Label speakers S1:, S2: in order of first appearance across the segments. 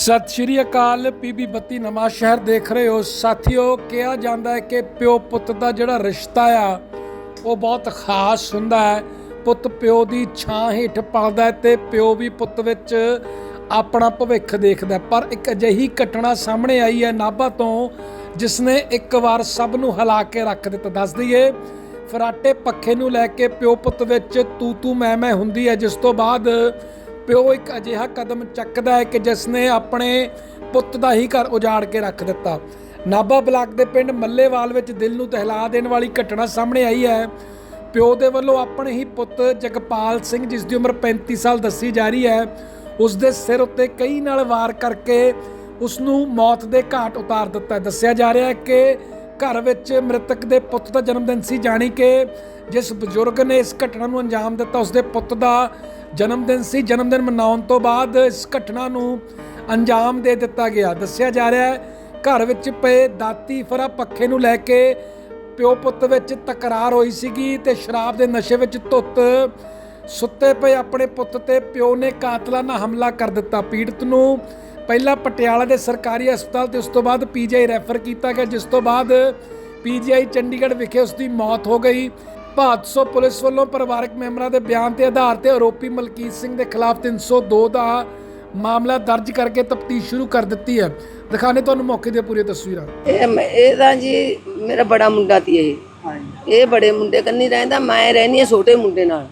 S1: सत श्री अकाल। पीबी 32 नवा शहर देख रहे हो साथियों। कहा जाता है कि प्यो पुत का जोड़ा रिश्ता आ वो बहुत खास हुंदा है। पुत प्यो की छां हेठ पलदा है ते प्यो भी पुत विच अपना भविख देखदा। पर एक अजिही घटना सामने आई है नाभा तो जिसने एक बार सब नूं हिला के रख दिता। दस दईए फराटे पखे नूं लैके प्यो पुत विच तू तू मैं हुंदी है, जिस तो बाद प्यो एक अजिहा कदम चकदा है कि जिसने अपने पुत का ही घर उजाड़ के रख दिता। नाभा ब्लाक के पिंड मल्लेवाल विच दिल नूं दहला देने वाली घटना सामने आई है। प्यो दे वल्लों अपने ही पुत जगपाल सिंह जिसकी उम्र 35 साल दसी जा रही है, उसके सिर उत्ते कई नाल वार करके उसनूं मौत के घाट उतार दिता। दस्सिया जा रहा है कि घर विच मृतक के पुत का जन्मदिन सी, जानी कि जिस बजुर्ग ने इस घटना नूं अंजाम दिता उसके पुत का जन्मदिन सी। जन्मदिन मनाउण तो बाद इस घटना नूं अंजाम दे दिता गया। दस्सिया जा रहा है घर विच पे दाती फरा पखे नूं लैके प्यो पुत विच तकरार होई सीगी ते शराब के नशे विच धुत सुत्ते पे अपने पुत ते प्यो ने कातलाना हमला कर दिता। पीड़ित नूं पहला पटियाला के सरकारी हस्पताल ते उस तो बाद पीजीआई रैफर किया गया, जिस तो बाद पीजीआई चंडीगढ़ विखे उसकी मौत हो गई। भादसों पुलिस वालों परिवारक मैंबरों के बयान के आधार पर आरोपी मलकीत सिंह के खिलाफ 302 का मामला दर्ज करके तफ्तीश शुरू कर दी है। दिखाने तो मौके दी पूरी तस्वीर।
S2: जी मेरा बड़ा मुंडा ती ये बड़े मुंडे कन्नी रहिंदा, मैं रहनी है छोटे मुंडे नाल।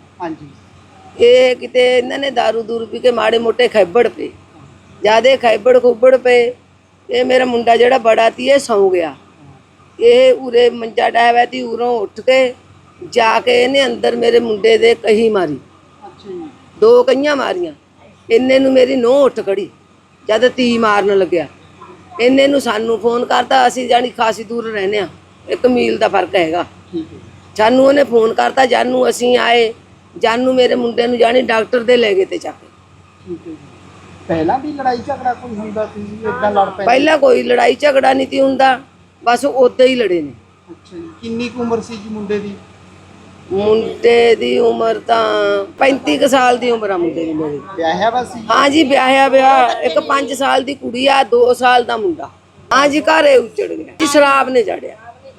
S2: ये किते इन्हां ने दारू दूर पी के माड़े मोटे खैबड़ पे ज्यादा खैबड़ खुबड़ पे ये मेरा मुंडा जेड़ा बड़ा ती ये सौ गया। ये उरे मंजा डाया थी, उरों उठ के जाके इन्हें अंदर मेरे मुंडे दे कही मारी, 2 कहियां मारियां। इन्ने नूं मेरी नूंह उठ खड़ी जद ती मारन लग्या। इन्ने नूं सानू फोन करता, असीं जानी खासी दूर रहने आ, 1 मील का फर्क हैगा। सानू उन्हें फोन करता, जानू असीं आए, जानू मेरे मुंडे नूं जानी डॉक्टर दे ले गए ते जाके।
S3: पहला भी लड़ाई झगड़ा कोई हुंदा सी? इदां लड़ पैंदे?
S2: पहला कोई लड़ाई झगड़ा नहीं ती हुंदा, बस उद्दां ही लड़े ने।
S3: अच्छा जी। किन्नी कुछ उम्र सी जी मुंडे दी?
S2: मुंडे दी उम्र तां 35 साल दी उम्र आ मुंडे दी मेरी।
S3: ब्याह्या वा सी?
S2: हाँ जी ब्याह्या ब्याह। एक 5 साल दी कुड़ी आ, 2 साल दा मुंडा। हाँ जी घरे उजड़ गया जी, शराब ने जड़िया।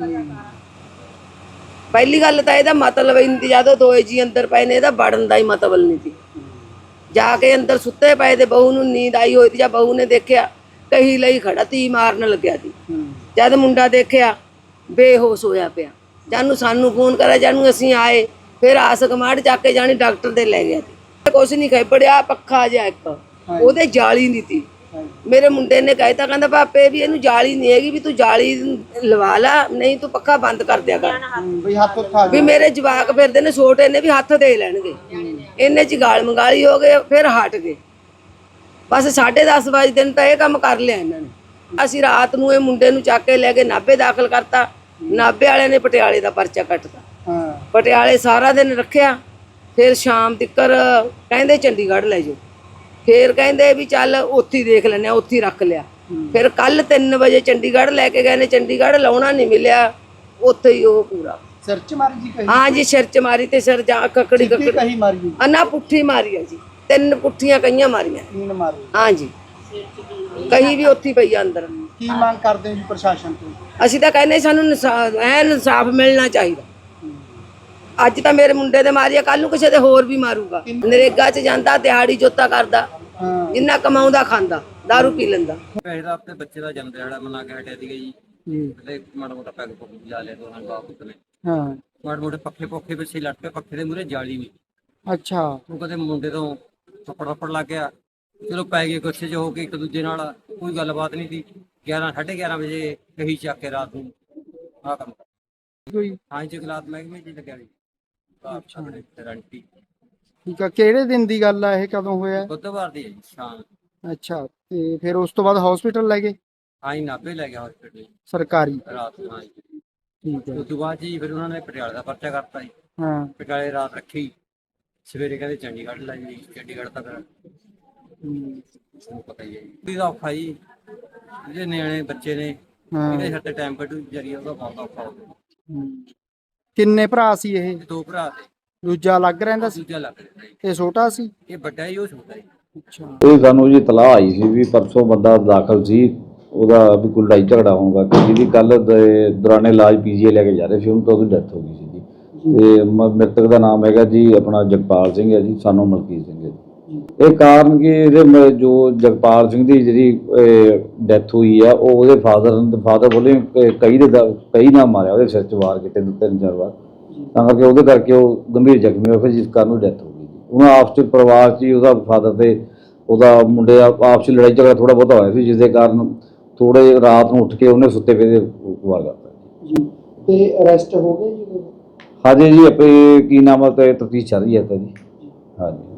S2: पहली गल तां इहदा मतलब इंदी जदों 2 जी अंदर पए ने इहदा वड़न दा ही मतलब नहीं सी। जाके अंदर सुते पे ते बहू नूं नींद आई होई ती, जद बहू ने देखिया कही लई खड़ा ती मारन लग्या ती। जद मुंडा देखिया बेहोश होया पिया, जानू सानू फोन करा, जानू असीं आए, फिर आस कमाड़ जाके जानी डॉक्टर दे ले गया। कुछ नहीं खैबड़िया, पक्खा जिहा एक ओहदे जाली नहीं थी। मेरे मुंडे ने कहता, कहता पापे भी इनू जाली नहीं हैगी, भी तू जाली लवा ला, नहीं तू पक्खा बंद कर दिया कर। भी मेरे जवाक फिरदे ने छोटे ने भी हथ दे लैणगे। इन्ने च गाल मंगाली हो गए, फिर हट गए। बस 10:30 बजे दिन तो यह काम कर लिया इन्होंने। असीं रात नूं ये मुंडे नूं चक के लैके नाभे दाखिल करता। नाभे वाले ने पटियाले का परचा कटता। पटियाले सारा दिन रखिया, फिर शाम तिकर कहंदे चंडीगढ़ ले जाओ। फिर कहंदे भी चल उत्थे देख लैने, उत्थे रख लिया। फिर कल 3 बजे चंडीगढ़ लैके गए ने, चंडीगढ़ लाउणा नहीं मिलिया, उत्थे ही वो पूरा
S3: सिर च मारी जी कही?
S2: हाँ जी सिर च मारी ते सिर जा ककड़ी
S3: कही मारी?
S2: ना पुट्ठी मारी है जी, 3 पुट्ठियां कहियां मारियां।
S3: 3 मारी?
S2: हाँ जी कहीं भी उत्थे पई अंदर।
S3: की मांग करदे जी प्रशासन तो?
S2: ਅਸੀਂ ਤਾਂ ਕਹਿੰਦੇ ਸਾਨੂੰ ਇਨਸਾਫ ਮਿਲਣਾ ਚਾਹੀਦਾ। ਅੱਜ ਤਾਂ ਮੇਰੇ ਮੁੰਡੇ ਦੇ ਮਾਰਿਆ, ਕੱਲ ਨੂੰ ਕਿਸੇ ਦੇ ਹੋਰ ਵੀ ਮਾਰੂਗਾ। ਨਰੇਗਾ 'ਚ ਜਾਂਦਾ, ਦਿਹਾੜੀ ਜੋਤਾ ਕਰਦਾ, ਜਿੰਨਾ ਕਮਾਉਂਦਾ ਖਾਂਦਾ, ਦਾਰੂ ਪੀ ਲੈਂਦਾ।
S4: ਇਹਦਾ ਆਪਣੇ ਬੱਚੇ ਦਾ ਜਨਮ ਦਿਹਾੜਾ ਮਨਾ ਕੇ ਹਟਿਆ ਸੀਗਾ ਜੀ। ਤੇ ਮਾੜਾ ਮੋਟਾ ਪੈਗ ਪੁੱਗ ਲਾ ਲਿਆ ਦੋਨਾਂ ਬਾਪ ਨੇ।
S3: ਹਾਂ
S4: ਮਾੜੇ ਮੋਟੇ ਪੱਖੇ ਪੁੱਖੇ ਪਿੱਛੇ ਲੱਟ ਕੇ, ਪੱਖੇ ਦੇ ਮੂਹਰੇ ਜਾਲੀ ਵੀ।
S3: ਅੱਛਾ।
S4: ਉਹ ਕਦੇ ਮੁੰਡੇ ਤੋਂ ਥੱਪੜ ਲੱਗ ਗਿਆ, ਚਲੋ ਪੈ ਗਏ ਗੁੱਸੇ 'ਚ ਹੋ ਕੇ ਇੱਕ ਦੂਜੇ ਨਾਲ, ਕੋਈ ਗੱਲਬਾਤ ਨਹੀਂ ਸੀ। 11-11:30 ਵਜੇ ਕਹੀ ਚੱਕ ਕੇ ਰਾਤ ਨੂੰ ਆਹ ਕੰਮ
S3: ਕੋਈ
S4: ਹਾਂ ਜੰਗਲਾਤ ਮਹਿਕਮੇ 'ਚ ਲੱਗਿਆ ਜੀ। ਆਪਣੇ ਗਰੰਟੀ
S3: ਠੀਕ ਆ। ਕਿਹੜੇ ਦਿਨ ਦੀ ਗੱਲ ਆ ਇਹ, ਕਦੋਂ ਹੋਇਆ?
S4: ਬੁੱਧਵਾਰ ਦੀ ਹੈ ਜੀ ਸ਼ਾਮ।
S3: ਅੱਛਾ, ਤੇ ਫਿਰ ਉਸ ਤੋਂ ਬਾਅਦ ਹਸਪੀਟਲ ਲੈ ਗਏ?
S4: ਹਾਂ ਜੀ ਨਾਭੇ ਲੈ ਗਿਆ ਹਸਪੀਟਲ
S3: ਸਰਕਾਰੀ?
S4: ਰਾਤ ਨੂੰ। ਹਾਂ ਜੀ
S3: ਠੀਕ ਹੈ।
S4: ਉਸ ਤੋਂ ਬਾਅਦ ਜੀ ਫਿਰ ਉਹਨਾਂ ਨੇ ਪਟਿਆਲੇ ਦਾ ਪਰਚਾ ਕਰਤਾ ਜੀ।
S3: ਹਾਂ
S4: ਪਟਿਆਲੇ ਰਾਤ ਰੱਖੀ, ਸਵੇਰੇ ਕਹਿੰਦੇ ਚੰਡੀਗੜ੍ਹ ਲੈ ਜੀ। ਚੰਡੀਗੜ੍ਹ ਤੱਕ ਤੁਹਾਨੂੰ ਪਤਾ ਹੀ ਹੈ ਜੀ ਇਹਦਾ ਔਖਾ ਜੀ। ਜਿਹੜੇ ਨਿਆਣੇ ਬੱਚੇ ਨੇ ਇਹਦੇ ਸਿਰ ਤੇ ਟਾਈਮ ਕੱਢੂ ਜਰੀਆ, ਉਹਦਾ ਬਹੁਤ ਔਖਾ ਹੋ ਗਿਆ।
S3: ਕਿੰਨੇ ਭਰਾ ਸੀ ਇਹ?
S4: 2 ਭਰਾ ਤੇ
S3: ਦੂਜਾ ਅਲੱਗ ਰਹਿੰਦਾ ਸੀ?
S4: ਦੂਜਾ ਲੱਗ ਰਿਹਾ ਜੀ।
S3: ਇਹ ਛੋਟਾ ਸੀ?
S4: ਇਹ ਵੱਡਾ ਹੀ, ਉਹ ਛੋਟਾ ਜੀ।
S3: ਅੱਛਾ
S5: ਇਹ ਸਾਨੂੰ ਜੀ ਇਤਲਾਹ ਆਈ ਸੀ ਵੀ ਪਰਸੋਂ ਬੰਦਾ ਦਾਖਲ ਸੀ, ਉਹਦਾ ਵੀ ਕੋਈ ਲੜਾਈ ਝਗੜਾ ਹੋਊਗਾ ਕਿ ਜਿਹਦੀ ਕੱਲ ਦੌਰਾਨੇ ਇਲਾਜ ਪੀਜੀਆਈ ਲੈ ਕੇ ਜਾ ਰਹੇ ਸੀ, ਉਹਨੂੰ ਤਾਂ ਉਹਦੀ ਡੈਥ ਹੋ ਗਈ ਸੀ ਜੀ। ਤੇ ਮ੍ਰਿਤਕ ਦਾ ਨਾਮ ਹੈਗਾ ਜੀ ਆਪਣਾ ਜਗਪਾਲ ਸਿੰਘ ਹੈ ਜੀ, ਸਾਨੂੰ ਮਲਕੀਤ ਸਿੰਘ ਹੈ ਜੀ। ਇਹ ਕਾਰਨ ਕਿ ਇਹਦੇ ਜੋ ਜਗਪਾਲ ਸਿੰਘ ਦੀ ਜਿਹੜੀ ਡੈਥ ਹੋਈ ਆ, ਉਹ ਉਹਦੇ ਫਾਦਰ ਬੋਲੇ ਕਈ ਨਾਲ ਮਾਰਿਆ, ਉਹਦੇ ਸਿਰ 'ਚ ਵਾਰ ਕੀਤੇ 3-4 ਵਾਰ, ਤਾਂ ਕਰਕੇ ਉਹਦੇ ਕਰਕੇ ਉਹ ਗੰਭੀਰ ਜ਼ਖਮੀ ਹੋਇਆ, ਫਿਰ ਜਿਸ ਕਾਰਨ ਉਹ ਡੈਥ ਹੋ ਗਈ ਜੀ। ਉਹਨਾਂ ਆਪਸ 'ਚ ਪਰਿਵਾਰ 'ਚ ਹੀ ਉਹਦਾ ਫਾਦਰ ਤੇ ਉਹਦਾ ਮੁੰਡੇ ਦਾ ਆਪਸ 'ਚ ਲੜਾਈ ਝਗੜਾ ਥੋੜ੍ਹਾ ਬਹੁਤਾ ਹੋਇਆ ਸੀ, ਜਿਸ ਦੇ ਕਾਰਨ ਥੋੜ੍ਹੇ ਰਾਤ ਨੂੰ ਉੱਠ ਕੇ ਉਹਨੇ ਸੁੱਤੇ ਪਏ ਦੇ ਵਾਰ ਕਰਤਾ
S3: ਜੀ। ਤੇ ਅਰੈਸਟ ਹੋ ਗਏ ਜੀ?
S5: ਹਾਂਜੀ ਜੀ, ਆਪੇ ਕੀ ਨਾਮ ਹੈ ਤੇ ਤਫਤੀਸ਼ ਚੱਲ ਰਹੀ ਹੈ ਤਾਂ ਜੀ। ਹਾਂਜੀ।